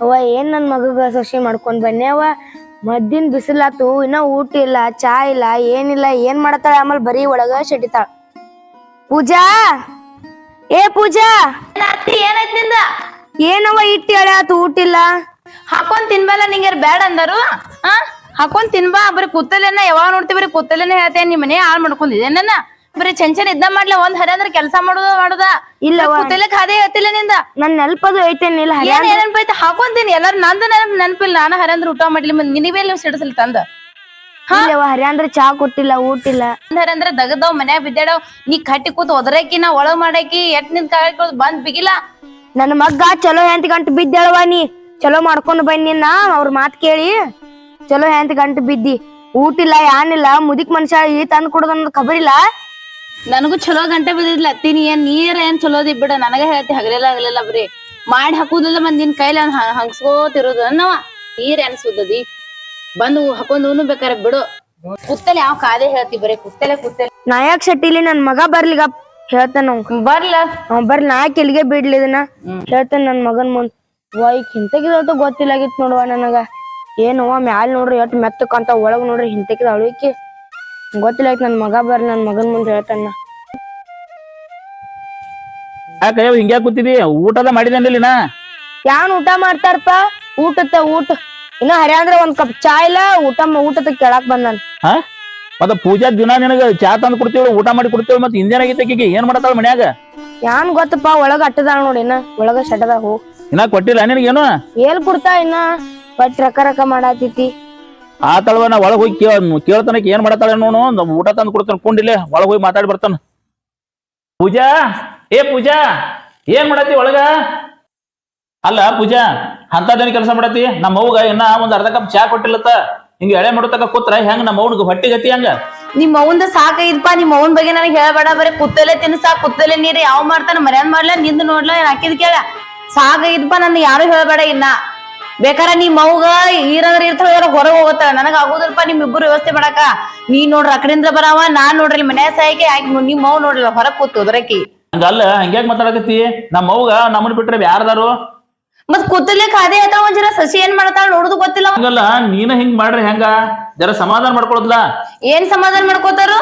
ಅವ ಏನ್ ನನ್ ಮಗಗ ಸೊಸಿ ಮಾಡ್ಕೊಂಡ್ ಬನ್ನಿ ಅವ ಮದ್ದಿನ ಬಿಸಿಲಾತು ಇನ್ನ ಊಟ ಇಲ್ಲ ಚಾ ಇಲ್ಲ ಏನಿಲ್ಲ ಏನ್ ಮಾಡತಾಳ ಆಮೇಲೆ ಬರೀ ಒಳಗ ಶೆಟಿತಾಳ. ಪೂಜಾ ಪೂಜಾ ಏನಾಯ್ತು ನಿಂದ? ಏನವ ಇಟ್ಟಿ ಹೇಳ ಆತು ಊಟ ಇಲ್ಲ. ಹಾಕೊಂಡ್ ತಿನ್ಬಲ್ಲ ನಿಂಗಾರ ಬ್ಯಾಡ ಅಂದಾರು. ಹಾಕೊಂಡ್ ತಿನ್ಬಾ. ಬರೀ ಕೂತಲೇನ ಯಾವಾಗ ನೋಡ್ತಿ ಬರೀ ಕೂತಲೇನೆ ಹೇಳ್ತೇನೆ. ನಿಮ್ ಮನೆ ಹಾಳು ಮಾಡ್ಕೊಂಡಿದ್ದೆ ನನ್ನ ಬರೀ ಚೆಂಚನ್ ಇದ್ದ ಮಾಡ್ಲಿ ಒಂದ್ ಹರಿ ಅಂದ್ರೆ ಕೆಲಸ ಮಾಡುದ ಇಲ್ಲವ ಕೂತಲೆ ಖಾದೇ ಹೇಳ್ತಿಲ್ಲ ನಿಂದ. ನನ್ ನೆನಪದು ಐತೇನಿಲ್ಲ ಏನ್ ನೆನಪೈತೆ ಹಾಕೊಂತೀನಿ ಎಲ್ಲಾರು ನಂದು ನೆನಪಿಲ್ಲ. ನಾನು ಹರಿ ಅಂದ್ರೆ ಊಟ ಮಾಡ್ಲಿ ನಿನಿಬೇಲ್ ಸಿಡಿಸಲ್ ತಂದ ಇಲ್ಲವ ಹರಿ ಅಂದ್ರೆ ಚಾ ಕೊಟ್ಟಿಲ್ಲ ಊಟಿಲ್ಲ. ಹರಿ ಅಂದ್ರೆ ದಗದವ್ ಮನ್ಯಾಗ ಬಿದ್ದಾಡವ್ ನೀ ಕಟ್ಟಿ ಕೂತ್ ಒದರಾಕಿ ನಾ ಒಳಗ್ ಮಾಡಾಕಿ ಎಟ್ ನಿಂದ ಕಾಯ್ಕೊ ಬಂದ್ ಬಿಗಿಲ್ಲ. ನನ್ನ ಮಗ್ಗ ಚಲೋ ಹೆಂತ ಗಂಟು ಬಿದ್ದೇಳವ ನೀ ಚಲೋ ಮಾಡ್ಕೊಂಡ್ ಬನ್ನಿನ ಅವ್ರ ಮಾತ್ ಕೇಳಿ ಚಲೋ ಹೆಂತ ಗಂಟು ಬಿದ್ದಿ. ಊಟಿಲ್ಲ ಯಾನಿಲ್ಲ ಮುದಿಕ್ ಮನುಷ್ಯ ಈ ತಂದ್ ಕೊಡೋದ್ ಖಬರಿಲ್ಲ. ನನಗೂ ಚಲೋ ಗಂಟೆ ಬಿದ್ದಿದ್ಲ ಅತ್ತೀನಿ. ಏನ್ ನೀರ್ ಏನ್ ಚಲೋದಿ ಬಿಡ ನನಗ ಹೇಳ್ತಿ ಹಗಲೆಲ್ಲ ಬರೀ ಮಾಡಿ ಹಾಕುದಿಲ್ಲ ಮಂದ್ ನಿನ್ ಕೈಲಿ ಹಂಗ್ಸ್ಕೋತಿರೋದು ಅನ್ನವ. ನೀರ್ ಏನ್ ಸುದ್ದದಿ ಬಂದು ಹಾಕೊಂಡ್ ಬೇಕಾರೆ ಬಿಡು. ಕುತ್ತಲೆ ಯಾವ ಕಾದೇ ಹೇಳ್ತಿ ಬರೀ ಕುತ್ತಲೆ ನಾಯಕ್ ಶೆಟ್ಟಿಲಿ ನನ್ ಮಗ ಬರ್ಲಿಗ ಹೇಳ್ತಾನ ಬರ್ಲ ಬರ್ಲಿ ನಾಯಕ್ ಎಲ್ಲಿಗೆ ಬಿಡ್ಲಿ ಇದನ್ನ ಹೇಳ್ತಾನ ನನ್ ಮಗನ್ ಮುಂದ್. ಈಗ ಹಿಂತಕಿದ ಗೊತ್ತಿಲ್ಲಾಗಿತ್ ನೋಡುವ ನನಗ. ಏನವ ಮ್ಯಾಲ ನೋಡ್ರಿ ಎಟ್ ಮೆತ್ತಕ್ಕಂತ ಒಳಗ್ ನೋಡ್ರಿ ಹಿಂತಕಿದ ಅಳಿಕಿ ಗೊತ್ತಿಲ್ಲ. ನನ್ ಮಗ ಬರ್ಲಿ ನನ್ ಮಗನ್ ಮುಂದ್ ಹೇಳ್ತಾನ. ಯಾಕ ಹಿಂಗ್ಯಾ ಕೂತಿದಿ? ಊಟದ ಮಾಡಿದೇನಿಲ್ಲ? ಯಾನ್ ಊಟ ಮಾಡ್ತಾರಪ್ಪ? ಊಟ ಇನ್ನ ಹರಿ ಅಂದ್ರ ಒಂದ್ ಕಪ್ ಚಾ ಇಲ್ಲ ಊಟದ ಕೇಳಾಕ್ ಬಂದನ್. ಮತ್ತ ಪೂಜಾ ದಿನ ನಿನಗ ಚಾ ತಂದ್ ಕೊಡ್ತೇವ ಊಟ ಮಾಡಿ ಕೊಡ್ತೇವ. ಮತ್ ಹಿಂದೇನಾಗಿತ್ತಕೀಗ ಏನ್ ಮಾಡತಾಳ ಮನ್ಯಾಗ? ಯಾನ್ ಗೊತ್ತಪ್ಪ ಒಳಗ ಅಟ್ಟದಾಳ ನೋಡಿ ಇನ್ನ ಒಳಗ ಶಟದ ಹೋ ಇನ್ನ ಕೊಟ್ಟಿಲ್ಲ ನಿನಗೇನು? ಏಲ್ ಕೊಡ್ತಾ ಇನ್ನ ಬಟ್ ರಕ ಮಾಡಾತಿತಿ. ಆತಳವ ನಾ ಒಳಗ್ ಹೋಗಿ ಕೇಳ್ತಾನಕ್ ಏನ್ ಮಾಡತಾಳ ನೋಡು. ಊಟ ತಂದ್ ಕೊಡ್ತಾನ ಕುಂಡಿಲೆ ಒಳಗ್ ಹೋಗಿ ಮಾತಾಡಿ ಬರ್ತಾನ. ಪೂಜಾ ಪೂಜಾ ಏನ್ ಮಾಡತಿ ಒಳಗ? ಅಲ್ಲ ಪೂಜಾ ಅಂತದೇನ್ ಕೆಲಸ ಮಾಡತಿ? ನಮ್ಮ ಅವ್ಗ ಇನ್ನ ಒಂದ್ ಅರ್ಧ ಕಪ್ ಚಾ ಕೊಟ್ಟಿಲ್ಲತ್ತ. ಹಿಂಗ ಎಳೆ ಮಾಡತಕ ಕೂತ್ರ ಹೆಂಗ ನಮ್ಮ ಅವ್ಗ ಹೊಟ್ಟಿ ಗತಿ ಹಂಗ? ನಿಮ್ ಅವಂದ ಸಾಕೈತ್ಪಾ. ನಿಮ್ ಅವನ್ ಬಗ್ಗೆ ನನಗೆ ಹೇಳ್ಬೇಡ. ಬರೀ ಕುತ್ತಲೆ ತಿನ್ಸಾ ಕುತ್ತಲೆ ನೀರ್ ಯಾವ ಮಾಡ್ತಾನ ಮರ್ಯಾದ್ ಮಾಡ್ಲ ನಿಂದ ನೋಡ್ಲ ಹಾಕಿದ್ ಕೇಳ ಸಾಕೈತ್ಪಾ. ನನ್ ಯಾರು ಹೇಳ್ಬೇಡ ಇನ್ನ. ಬೇಕಾರ ನಿಮ್ ಅವ್ಗ ಈರಂದ್ರ ಇರ್ತಾಳ ಹೊರಗೆ ಹೋಗತ್ತಾಳ. ನನಗ ಆಗುದಿಲ್ಪ ನಿಮ್ ಇಬ್ಬರು ವ್ಯವಸ್ಥೆ ಮಾಡಾಕ. ನೀ ನೋಡ್ರ ಅಕಡಿಂದ್ರ ಬರಾವ ನಾನ್ ನೋಡ್ರಿ ಮನ್ಯಾಗ ಸಾಯಕಿ ಆಕಿ ನಿಮ್ ಅವ್ ನೋಡ್ರಿ ಹೊರಗ್ ಕೂತು ಹೋದ್ರಕಿ. ಹಂಗಲ್ಲ ಹಂಗ್ಯಾಕ್ ಮಾತಾಡಕತ್ತಿ? ನಮ್ಮ ಅವ್ಗ ನಮ್ಮನ್ ಬಿಟ್ರೆ ಯಾರದಾರು? ಮತ್ ಕೂತಲೆ ಖಾದೆ ಆತ ಒಂದ್ ಜರ ಸಸಿ ಏನ್ ಮಾಡ್ತಾಳ ನೋಡುದು ಗೊತ್ತಿಲ್ಲ. ಹಂಗಲ್ಲ ನೀನ ಹಿಂಗ್ ಮಾಡ್ರಿ ಹೆಂಗ? ಜರ ಸಮಾಧಾನ ಮಾಡ್ಕೊಳದ್ಲ. ಏನ್ ಸಮಾಧಾನ ಮಾಡ್ಕೋತಾರ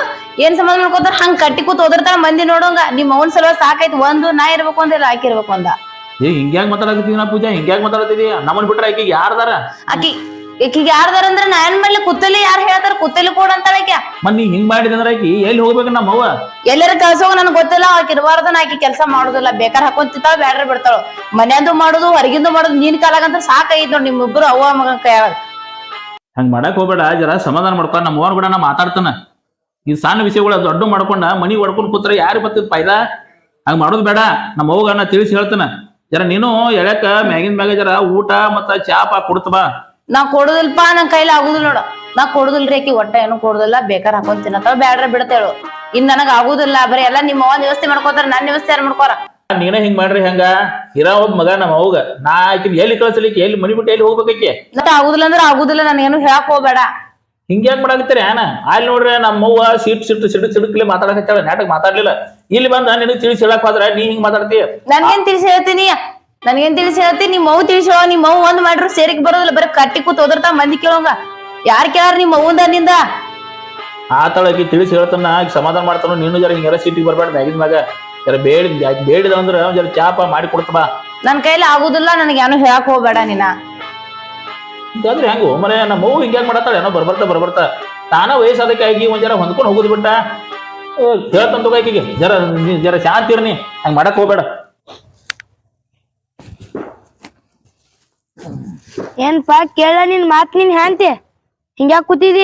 ಹಂಗ್ ಕಟ್ಟಿ ಕೂತ್ ಓದಿರ್ತಾಳ ಮಂದಿ ನೋಡೋಂಗ. ನಿಮ್ ಅವನ್ ಸಲ ಸಾಕೈತ್ ಒಂದು ನಾ ಇರ್ಬೇಕು ಅಂದಿಲ್ಲ ಆಕಿ ಇರ್ಬೇಕು ಅಂದ. ಹಿಂಗ್ಯಾಕ್ ಮಾತಾಡಕತ್ತಿ ನಾ ಪೂಜಾ? ಹಿಂಗ್ಯಾಕ್ ಮಾತಾಡತಿದಿ? ನಮ್ಮನ್ ಬಿಟ್ರೆ ಆಕಿಗೆ ಯಾರದಾರ? ಆಕಿಗೆ ಯಾರ್ದಾರ ಅಂದ್ರ ನಾ ಏನ್ ಮಾಡ್ಲಿ? ಕುತ್ತಲಿ ಯಾರು ಹೇಳ್ತಾರ ಕುತ್ತಲಿ ಕೊಡ ಅಂತಾಳ ಆಕಿ. ಮತ್ ನೀ ಹಿಂಗ್ ಮಾಡಿದಂದ್ರ ಆಕಿ ಎಲ್ಲಿ ಹೋಗ್ಬೇಕು? ನಮ್ಮ ಅವ್ವ ಎಲ್ಲರ ಕಳ್ಸೋಗ ನನ್ಗೆ ಗೊತ್ತಿಲ್ಲ. ಆಕಿ ಇರಬಾರ್ದನ ಆಕಿ ಕೆಲಸ ಮಾಡುದಿಲ್ಲ. ಬೇಕಾರ್ ಹಾಕೊಂತಿತ್ತಾಳ ಬ್ಯಾಡ್ರ ಬಿಡ್ತಾಳು. ಮನ್ಯಾಂದು ಮಾಡುದು ಹೊರಗಿಂದು ಮಾಡುದು ನೀನ್ ಕಾಲಾಗಂತ ಸಾಕೈತ್ ನೋಡ್ ನಿಮ್ಮಿಬ್ರು ಅವ್ವ ಮಗನ್ ಕೈಯಾಗ. ಹಂಗ್ ಮಾಡಕ್ ಹೋಗ್ಬೇಡ. ಜರ ಸಮಾಧಾನ ಮಾಡ್ಕೊಂಡ್ ನಮ್ಮ ಅವ್ವನ್ ಕೂಡ ನಾ ಮಾತಾಡ್ತಾನ. ಈ ಸಣ್ಣ ವಿಷಯಗಳ ದೊಡ್ಡ ಮಾಡ್ಕೊಂಡ ಮನಿ ಹೊಡ್ಕೊಂಡ್ ಕೂತ್ರ ಯಾರು ಬರ್ತದ ಫೈದಾ? ಹಂಗ್ ಮಾಡೋದ್ ಬೇಡ. ನಮ್ಮ ಅವ್ಗ ನಾ ತಿಳಿಸಿ ಹೇಳ್ತಾನ. ಜರ ನೀನು ಎಳ್ಯಾಕ ಮ್ಯಾಗಿನ ಮ್ಯಾಗ ಜರ ಊಟ ಮತ್ತ ಚಾಪ ಕೊಡ್ತ ಬಾ. ನಾ ಕೊಡುದಿಲ್ಪ. ನನ್ ಕೈಲಿ ಆಗುದಿಲ್ಲ ನೋಡ. ನಾ ಕೊಡುದಿಲ್ರಿ ಆಕಿ ಒಟ್ಟ ಏನು ಕೊಡುದಿಲ್ಲ. ಬೇಕಾರ್ ಹಾಕೊಂಡ್ ತಿನ್ನತ್ತಾಳ ಬ್ಯಾಡ್ರ ಬಿಡ್ತೇಳು. ಇನ್ ನನಗ್ ಆಗುದಿಲ್ಲ. ಬರೀ ಎಲ್ಲಾ ನಿಮ್ಮ ಅವ್ವನ್ ವ್ಯವಸ್ಥೆ ಮಾಡ್ಕೋತಾರ. ನನ್ ವ್ಯವಸ್ಥೆ ಯಾರು ಮಾಡ್ಕೋರ? ನೀನ ಹಿಂಗ್ ಮಾಡ್ರಿ ಹೆಂಗ? ಇರೋ ಒಬ್ಬ ಮಗ ನಮ್ಮ ಅವ್ಗ ನಾ ಆಕಿನ ಎಲ್ಲಿ ಕಳ್ಸಲಿಕ್ಕೆ? ಎಲ್ಲಿ ಮನಿ ಬಿಟ್ಟು ಎಲ್ಲಿ ಹೋಗ್ಬೇಕಿ? ಮತ್ತೆ ಆಗುದಿಲ್ಲ ಅಂದ್ರೆ ಆಗುದಿಲ್ಲ. ನಾನು ಏನು ಹೇಳಕ್ ಹೋಗ್ಬೇಡ. ಹಿಂಗ್ಯಾಕ್ ಮಾಡಾಕತ್ತೀರಿ ಏನ? ಅಲ್ಲಿ ನೋಡ್ರಿ ನಮ್ಮವ್ವ ಸಿಡ್ಕ್ಲೆ ಮಾತಾಡಕತ್ತಾಳ. ನಾಟಕ ಮಾತಾಡ್ಲಿಲ್ಲ. ಇಲ್ಲಿ ಬಂದ ನಿನಗ್ ತಿಳಿಸಿ ಹೇಳಕ್ ಹೋದ್ರ ನೀ ಹಿಂಗ್ ಮಾತಾಡ್ತೀಯ? ನನ್ಗೇನ್ ತಿಳಿಸಿ ಹೇಳ್ತೀನಿ? ನಿಮ್ ಮವ್ ತಿಳಿಸೋ. ನಿಮ್ ಮವ್ ಒಂದ್ ಮಾಡ್ರು ಸೇರಿಕ್ ಬರೋದಿಲ್ಲ. ಬರೀ ಕಟ್ಟಿ ಕೂತ್ ಓದಿರ್ತಾ ಮಂದಿ ಕೇಳೋಂಗ. ಯಾರ್ ಕೇಳಾರ ನಿಮ್ ಅವ್ವಂದ ನಿಂದ? ಆತಳಕಿ ತಿಳಿಸಿ ಹೇಳ್ತಾನ. ಆಕಿ ಸಮಾಧಾನ ಮಾಡ್ತಾನ. ನೀನು ಜರ ಹಿಂಗೆಲ್ಲ ಸಿಟಿಗೆ ಬರ್ಬೇಡ. ಮ್ಯಾಗಿನ ಮ್ಯಾಗ ಜರ ಬೇಡಿದ ಅಂದ್ರ ಜರ ಚಾಪ ಮಾಡಿ ಕೊಡ್ತ ಬಾ. ನನ್ ಕೈಲಿ ಆಗುದಿಲ್ಲ. ನನಗೆ ಏನು ಹೇಳಕ್ ಹೋಗ್ಬೇಡ ನೀನ. ಇದಾದ್ರೆ ಹೆಂಗು ಮನೆ ನಮ್ಮ ಅವ್ವ ಹಿಂಗ್ಯಾಕ್ ಮಾಡತ್ತಾಳ ಏನೋ ಬರ್ಬರ್ತಾ ತಾನ ವಯಸ್ಸಾದಕ್ಕೆ ಆಗಿ ಒಂದ್ ಜರ ಹೊಂದ್ಕೊಂಡು ಹೋಗುದ್ ಬಿಟ್ಟ. ಹೇಳ್ತಂತ ಆಕಿಗೆ ಜರ ಶಾಂತಿ ಇರ್ನಿ. ಹಂಗ ಮಾಡಕ್ ಹೋಗ್ಬೇಡ. ಏನ್ಪಾ ಕೇಳ ನಿನ್ ಮಾತ್ ನೀನ್ ಹ್ಯಾಂತಿ ಹಿಂಗ್ಯಾಕ್ ಕೂತಿದಿ?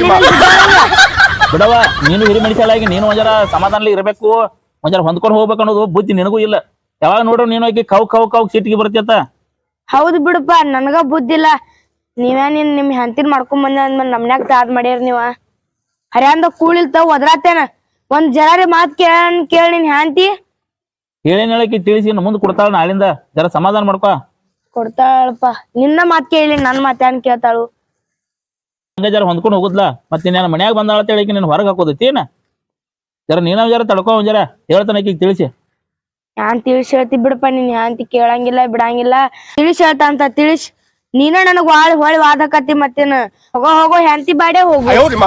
ಬಿಡವ ನೀನು ಹಿರಿ ಮನುಷ್ಯಲಾಗಿ ನೀನು ಒಂದ್ ಜರ ಸಮಾಧಾನಲಿ ಇರ್ಬೇಕು. ಒಂದ್ ಜರ ಹೊಂದ್ಕೊಂಡು ಹೋಗ್ಬೇಕು ಅನ್ನೋದು ಬುದ್ಧಿ ನಿನಗೂ ಇಲ್ಲ. ಯಾವಾಗ ನೋಡ್ರು ನೀನು ಆಕಿ ಕೌ ಸಿಟ್ಟಿಗೆ ಬರ್ತಿಯತ್ತ. ಹೌದು ಬಿಡಪ್ಪ ನನಗ ಬುದ್ಧಿಲ್ಲ. ನೀವೇನ್ ನಿಮ್ ಹೆಂತಿನ್ ಮಾಡ್ಕೊಂಡ್ ಬಂದ ಅಂದ್ಮೇಲೆ ನಮ್ನ್ಯಾಗ ತಾದ್ ಮಾಡ್ಯಾರ ನೀವ. ಹರ್ಯಾಂದ ಕೂಳಿಲ್ತಾವ ಒದ್ರಾತೇನ ಒಂದ್ ಜರಾರಿ ಮಾತ್ ಕೇಳ ನಿನ್ ಹ್ಯಾಂತಿ. ಹೇಳೇನ್ ಹೇಳಕಿ ತಿಳಿಸಿ ಮುಂದ್ ಕೊಡ್ತಾಳ. ನಾಳಿಂದ ಜರ ಸಮಾಧಾನ ಮಾಡ್ಕೊ. ಕೊಡ್ತಾಳಪ್ಪ. ನಿನ್ನ ಮಾತ್ ಕೇಳಿ ನನ್ ಮಾತ್ ಏನ್ ಕೇಳ್ತಾಳು? ಹಂಗ ಜರ ಹೊಂದ್ಕೊಂಡು ಹೋಗುದ್ಲಾ. ಮತ್ತೆ ನಾನು ಮನ್ಯಾಗ ಬಂದಾಳ ಹೇಳಕಿ ನೀನ್ ಹೊರಗೆ ಹಾಕೋದೈತಿ ಏನ? ಜರ ನೀನ ಜರ ತಡ್ಕೊ. ಒಂದ್ ಜರ ಹೇಳ್ತಾನ ಆಕಿಗೆ ತಿಳಿಸಿ. ನಾನ್ ತಿಳಿಸಿ ಹೇಳ್ತಿ ಬಿಡಪ್ಪ ನೀನ್ ಯಾಂತಿ ಕೇಳಂಗಿಲ್ಲ ಬಿಡಂಗಿಲ್ಲ ತಿಳಿಸಿ ಹೇಳ್ತ ಅಂತ ತಿಳಿಸಿ ನೀನ ನನಗ್ ಹೊಳಿ ವಾದಕತ್ತಿ ಮತ್ತೇನ ಹೋಗೋ ಹೆಂಡತಿ ಬಾಡೆ ಹೋಗು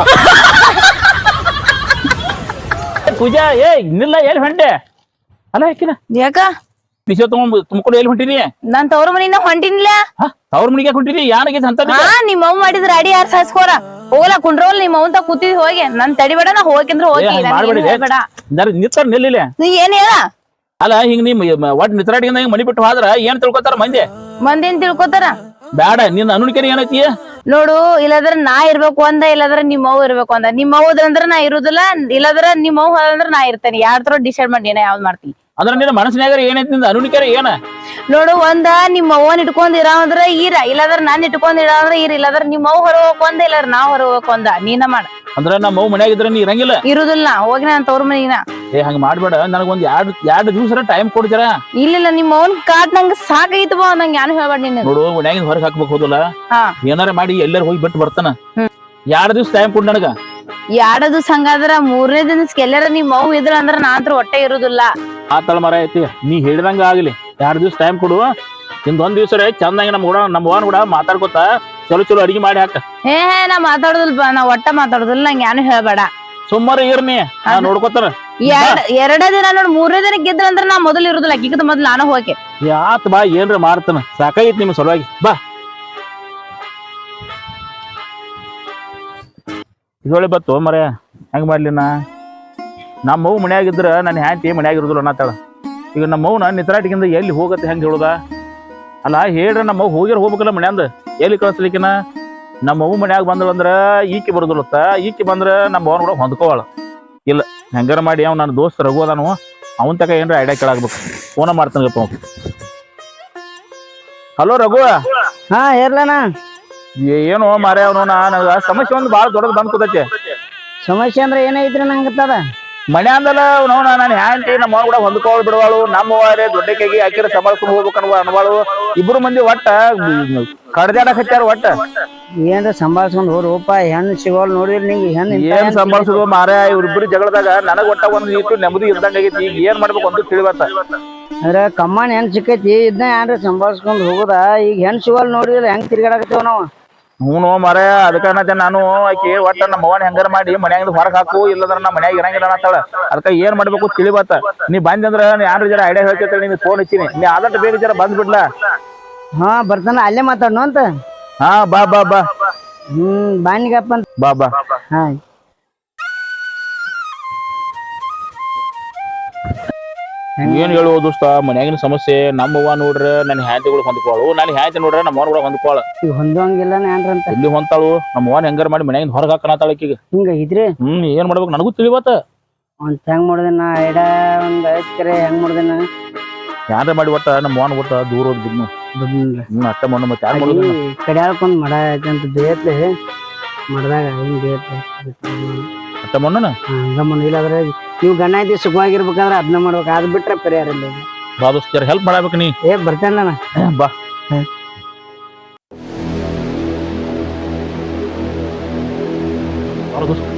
ಪೂಜಾ ಏ ನಿಲ್ಲ ಎಲ್ಲಿ ಹೊಂಟೆ ಅಲ್ಲ ಯಾಕಿನ ಯಾಕ ಬಿಸಿ ತುಂಬಿಕೊಂಡು ಎಲ್ಲಿ ಹೊಂಟಿನಿ ನಾನ್ ತವ್ರ ಮನಿನ ಹೊಂಟಿನಿಲ್ಲ ಅವ್ರ ಮನೆಗೆ ಹೊಂಟಿನಿ ಯಾನಾಗೈತೆ ಅಂತ ಹಾ ನಿಮ್ ಅವ್ವ ಮಾಡಿದ್ರ ಅಡಿ ಯಾರು ಸಾಸ್ಕೋರ ಹೋಗಲ್ಲ ಕುಂಡ್ರೋಲ್ ನಿಮ್ ಅವ್ವಂತ ಕೂತಿದ್ ಹೋಗಿ ನನ್ ತಡಿಬೇಡ ನಾ ಹೋಗಿಂದ್ರ ಹೋಗಿ ಬೇಡ ನಿತ್ತಾರ ನಿಲ್ಲಿಲ್ಲ ನೀ ಏನ್ ಹೇಳ ಅಲ್ಲ ಹಿಂಗ್ ನಿಮ್ ಒಟ್ ನಿತ್ರಾಡಿಯಿಂದ ಹಿಂಗ್ ಮನಿ ಬಿಟ್ಟು ಹೋದ್ರ ಏನ್ ತಿಳ್ಕೊತಾರ ಮಂದಿನ್ ತಿಳ್ಕೊತಾರ ಬ್ಯಾಡ ನಿನ್ ಅನುಣಿಕೆರಿ ಏನೈತಿ ನೋಡು ಇಲ್ಲದ್ರ ನಾ ಇರ್ಬೇಕು ಅಂದ ಇಲ್ಲದ್ರ ನಿಮ್ ಅವ್ವ ಇರ್ಬೇಕು ಅಂದ ನಿಮ್ ಅವ್ವದಂದ್ರ ನಾ ಇರುದಿಲ್ಲ ಇಲ್ಲದ್ರ ನಿಮ್ ಅವ್ವ ಅಂದ್ರ ನಾ ಇರ್ತೇನೆ ಯಾರ್ದ್ರ ಡಿಸೈಡ್ ಮಾಡಿ ನಾ ಯಾವ್ದ್ ಮಾಡ್ತೀನಿ ಅಂದ್ರ ನಿನ್ನ ಮನಸ್ಸಿನಾಗ ಏನೈತಿ ನಿಂದ ಅನುಣಿಕೆರಿ ಏನ ನೋಡು ಒಂದ ನಿಮ್ ಅವ್ವನ್ ಇಟ್ಕೊಂಡ್ ಇರಾವಂದ್ರ ಈರ ಇಲ್ಲದ್ರ ನಾನ್ ಇಟ್ಕೊಂಡ್ ಇರಾವಂದ್ರ ಈರ ಇಲ್ಲದ್ರ ನಿಮ್ ಅವ್ವ ಹೊರ ಹೋಗ್ಕೊಂದ ಇಲ್ಲದ್ರ ನಾ ಹೊರ ಹೋಗ್ಕೊಂದ ನೀನ ಮಾಡ ಅಂದ್ರ ನಮ್ಮ ಅವ್ವ ಮನ್ಯಾಗ ಇದ್ರ ನೀ ಇರಂಗಿಲ್ಲ ಇರುದಿಲ್ಲ ಹೋಗಿ ನಾನ್ ತವ್ರ ಮನಿನ ಏ ಹಂಗ ಮಾಡ್ಬೇಡ ನನಗೊಂದ್ ಎರಡ್ ದಿವ್ಸ ಟೈಮ್ ಕೊಡ್ತೀರ ಇಲ್ಲ ನಿಮ್ ಅವ್ವನ್ ಕಾಟ್ ನಂಗ ಸಾಕೈತಿ ಬಾ ನಂಗೆ ಯಾನು ಹೇಳ್ಬೇಡ ನೀನು ನೋಡು ಮನ್ಯಾಗಿಂದ ಹೊರಗೆ ಹಾಕ್ಬೇಕು ಹೋದಲ್ಲ ಹಾ ಏನಾರ ಮಾಡಿ ಎಲ್ಲಾರ ಹೋಗಿ ಬಿಟ್ಟು ಬರ್ತಾನ 2 ದಿವ್ಸ ಟೈಮ್ ಕೊಡ್ ನನಗ 2 ದಿವ್ಸ ಹಂಗಾದ್ರ 3ನೇ ದಿನಕ್ಕೆ ಎಲ್ಲಾರ ನಿಮ್ ಅವ್ವ ಇದ್ರ ಅಂದ್ರ ನಾನ್ ಹೊಟ್ಟೆ ಇರುದಿಲ್ಲ ಆತಳ ಮರ ಐತಿ ನೀ ಹೇಳಿದಂಗ ಆಗ್ಲಿ 2 ದಿವ್ಸ ಟೈಮ್ ಕೊಡು ಒಂದ್ ದಿವ್ಸ ಚಂದಾಗಿ ನಮ್ಮ ಅವ್ವನ್ ಕೂಡ ಮಾತಾಡ್ಕೊತ ಚಲೋ ಅಡಿಗೆ ಮಾಡಿ ಹಾಕ ಹೇ ನಾ ಮಾತಾಡುದಿಲ್ಪ ನಾ ಒಟ್ಟ ಮಾತಾಡುದಿಲ್ಲ ನಂಗೆ ಯಾನು ಹೇಳ್ಬೇಡ ಸುಮಾರು ಇರ್ನಿ ನೋಡ್ಕೊತಾರ ಎರಡೇ ದಿನ ನೋಡ್ 3ನೇ ದಿನಕ್ಕೆ ಗೆದ್ರ ಅಂದ್ರ ನಾ ಮೊದಲು ಇರುದಿಲ್ಲ ಕಿಕ್ಕದ ಮೊದ್ಲು ನಾನು ಹೋಗಿ ಯಾತ್ ಬಾ ಏನ್ರ ಮಾಡ್ತಾನ ಸಾಕಾಗಿತ್ ನಿಮ್ ಸಲುವಾಗಿ ಬಾ ಇದೊಳೆ ಬತ್ತು ಮರ ಹೆಂಗ್ ಮಾಡ್ಲಿ ನಮ್ಮ ಮಗು ಮನ್ಯಾಗಿದ್ರ ನನ್ನ ಹ್ಯಾಂತಿ ಮನ್ಯಾಗ ಇರುದಿಲ್ಲ ಅನ್ನತ್ತಾಳ ಈಗ ನಮ್ಮ ಮೌನ ನಿತ್ರಾಟಿಗಿಂದ ಎಲ್ಲಿ ಹೋಗತ್ತೆ ಹೆಂಗ್ ಹೇಳುದ ಅಲ್ಲ ಹೇಳ್ರ ನಮ್ಮ ಮಗು ಹೋಗ್ಬೇಕಲ್ಲ ಮನ್ಯಾಂದ ಎಲ್ಲಿ ಕಳಿಸ್ಲಿಕ್ಕಿನ ನಮ್ಮ ಮಗು ಮನ್ಯಾಗ ಬಂದ್ರ ಈಕಿ ಬರುದಿಲ್ಲತ್ತ ಈಕಿ ಬಂದ್ರ ನಮ್ಮ ಅವನ್ ಕೂಡ ಹೊಂದ್ಕೋವಾಳ ಇಲ್ಲ ಹೆಂಗಾರ ಮಾಡಿ ಅವ್ ನನ್ನ ದೋಸ್ತ ರಘು ಅದಾನು ಅವನ್ ತಕ ಏನ್ರ ಐಡಿಯಾ ಕೇಳಾಗ್ಬೇಕು ಫೋನ ಮಾಡ್ತಾನಪ್ಪ ಅವ್ ಹಲೋ ರಘು ಹಾ ಇರ್ಲಣ್ಣ ಏನೋ ಮಾರೇ ಅವನು ನನಗ ಸಮಸ್ಯೆ ಒಂದು ಬಾಳ ದೊಡ್ಡದ್ ಬಂದ್ ಕೂತೈತಿ ಸಮಸ್ಯೆ ಅಂದ್ರೆ ಏನೈತ್ರಿ ನಂಗತ್ತದ ಮನೆ ಅಂದಲ್ಲ ನೋಡ ನಾನು ಹ್ಯಾಂಟಿ ನಮ್ಮ ಕೂಡ ಹೊಂದ್ಕೊಳ್ ಬಿಡವಾಳು ನಮ್ಮ ವಾರೇ ದೊಡ್ಡ ಕೈಗೆ ಹಾಕಿರ ಸಂಬಾಳ್ಸ್ಕೊಂಡ್ ಹೋಗ್ಬೇಕು ಅನ್ವಾಳು ಇಬ್ರು ಮಂದಿ ಒಟ್ಟ ಕಡ್ದಾಡಕ್ ಹಚ್ಚಾರ ಒಟ್ಟ ಏನ್ರ ಸಂಭಾಳ್ಸ್ಕೊಂಡ್ ಹೋರಪ್ಪ ಹೆಣ್ಣು ಸಿಗೋಲ್ ನೋಡಿದ್ರಿ ನಿಂಗೆ ಹೆಣ್ಣು ಏನ್ ಸಂಬಾಳ್ಸುದು ಮಾರೇ ಇವ್ರಿಬ್ರು ಜಗಳದಾಗ ನನಗ್ ಒಟ್ಟ ಒಂದ್ ನೀಟು ನೆಮ್ಮದಿ ಇಲ್ದಂಗ ಆಗೈತಿ ಈಗ ಏನ್ ಮಾಡ್ಬೇಕು ಅಂತ ತಿಳಿವತ್ತ ಅಂದ್ರೆ ಕಮ್ಮನ್ ಹೆಣ್ ಸಿಕ್ಕೈತಿ ಇದನ್ನ ಏನ್ರ ಸಂಭಾಳ್ಸ್ಕೊಂಡ್ ಹೋಗುದ ಈಗ ಹೆಣ್ ಸಿಗೋಲ್ ನೋಡಿದ್ರೆ ಹೆಂಗ್ ತಿರ್ಗಾಡಕತ್ತೇವ ನಾವು ಹ್ಞೂ ಮಾರೇ ಅದಕ್ಕ ನಾನು ಆಕಿ ಒಟ್ಟ ನಮ್ಮ ಅವ್ವನ ಹೆಂಗಾರ ಮಾಡಿ ಮನ್ಯಾಗಿಂದ ಹೊರಗ್ ಹಾಕು ಇಲ್ಲದ್ರ ನಮ್ಮ ಮನ್ಯಾಗ ಇರಂಗಿಲ್ಲ ಅನ್ನತ್ತಾಳ ಅದಕ್ಕ ಏನ್ ಮಾಡ್ಬೇಕು ತಿಳಿಬತ್ತ ನೀ ಬಂದಂದ್ರ ಯಾರು ಜರ ಐಡಿಯಾ ಹೇಳ್ತೈತಿ ನಿನ್ ಫೋನ್ ಹಚ್ಚಿನಿ ನೀ ಆದಷ್ಟು ಬೇಗ ಜರ ಬಂದ್ಬಿಡ್ಲಾ ಹಾ ಬರ್ತಾನ ಅಲ್ಲೇ ಮಾತಾಡ್ನು ಅಂತ ಹಾ ಬಾ ಬಾ ಬಾ ಬಾಣಿಗಪ್ಪ ಅಂತ ಬಾ ಬಾ ಹಾ ಏನ್ ಹೇಳುವ ದೋಸ್ತ ಮನ್ಯಾಗಿನ ಸಮಸ್ಯೆ ನಮ್ಮವ್ವ ನೋಡ್ರ ನನ್ನ ಹ್ಯಾಂತಿಗಳು ಹೊಂದ್ಕೋಳು ನನ್ನ ಹ್ಯಾಂತಿ ನೋಡ್ರ ನಮ್ಮ ಅವ್ನ ಕೂಡ ಹೊಂದ್ಕೋಳ ಈಗ ಹೊಂದೋಂಗಿಲ್ಲ ಏನ್ರಂತ ಎಲ್ಲಿ ಹೊಂತಾಳು ನಮ್ಮ ಅವ್ವನ ಹೆಂಗಾರ ಮಾಡಿ ಮನ್ಯಾಗಿಂದ ಹೊರಗೆ ಹಾಕಣತಾಳಕೀಗ ಹಿಂಗ ಇದ್ರಿ ಏನ್ ಮಾಡ್ಬೇಕು ನನಗೂ ತಿಳಿವತ್ತ ಒಂದ್ ಹೆಂಗ್ ಮಾಡಿದನ ಐಡ ಒಂದ್ ಐತ್ಕರೆ ಹೆಂಗ್ ಮಾಡಿದನ ಯಾರ ಮಾಡಿ ಒಟ್ಟ ನಮ್ಮ ಅವ್ನ ಒಟ್ಟ ದೂರ ಹೋದ್ ಬಿಡ್ನು ಅಷ್ಟ ಮಣ್ಣು ಮತ್ತೆ ಯಾರು ಮಾಡೋದು ಕಡ್ಯಾಳ್ಕೊಂಡ್ ಮಡ ಐತಂತ ಬೇತ್ಲೆ ಮಡ್ದಾಗ ಹಿಂಗ್ ಬೇತ್ಲೆ ಅಷ್ಟ ಮಣ್ಣನ ಹಂಗ ಮಣ್ಣು ಇಲ್ಲಾದ್ರೆ ನೀವು ಗಣ್ಣ ಐತಿ ಸುಖವಾಗಿರ್ಬೇಕಾದ್ರೆ ಅದನ್ನ ಮಾಡ್ಬೇಕು ಅದ್ ಬಿಟ್ರೆ ಪರಿಹಾರ ಇಲ್ಲ ಬಾ ದೋಸ್ತ ಹೆಲ್ಪ್ ಮಾಡಬೇಕು ನೀ ಏ ಬರ್ತೇನೆ ಬಾ ದೋಸ್ತ